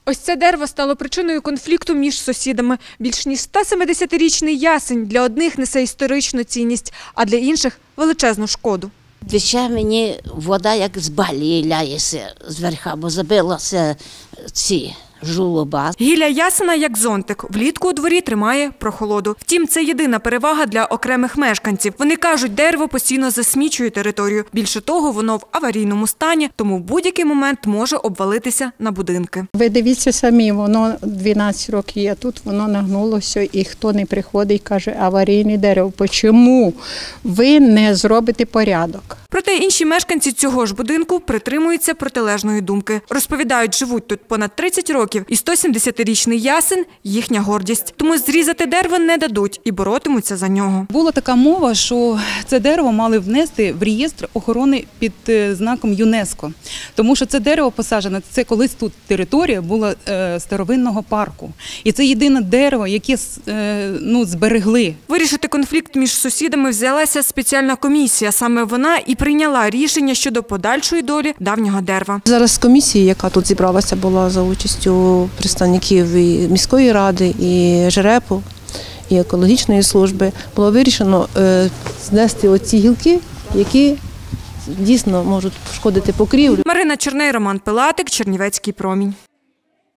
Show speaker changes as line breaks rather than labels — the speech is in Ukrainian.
Ось це дерево стало причиною конфлікту між сусідами. Більш ніж 170-річний ясень для одних несе історичну цінність, а для інших – величезну шкоду.
Тече мені вода, як з балії ляється зверха, бо забилася ці жолоба.
Гілля ясена як зонтик. Влітку у дворі тримає прохолоду. Втім, це єдина перевага для окремих мешканців. Вони кажуть, дерево постійно засмічує територію. Більше того, воно в аварійному стані, тому в будь-який момент може обвалитися на будинки.
Ви дивіться самі, воно 12 років є тут, воно нагнулося, і хто не приходить, каже, аварійне дерево. Чому ви не зробите порядок?
Проте інші мешканці цього ж будинку притримуються протилежної думки. Розповідають, живуть тут понад 30 років, і 170-річний ясен – їхня гордість. Тому зрізати дерево не дадуть і боротимуться за нього.
Була така мова, що це дерево мали внести в реєстр охорони під знаком ЮНЕСКО. Тому що це дерево посаджене, це колись тут територія була старовинного парку. І це єдине дерево, яке зберегли.
Вирішити конфлікт між сусідами взялася спеціальна комісія. Саме вона і прийняла рішення щодо подальшої долі давнього дерева.
Зараз комісія, яка тут зібралася, була за участю представників і міської ради, і ЖРЕПу, і екологічної служби, було вирішено знести оці гілки, які дійсно можуть пошкодити покрівлю.
Марина Черней, Роман Пилатик, Чернівецький промінь.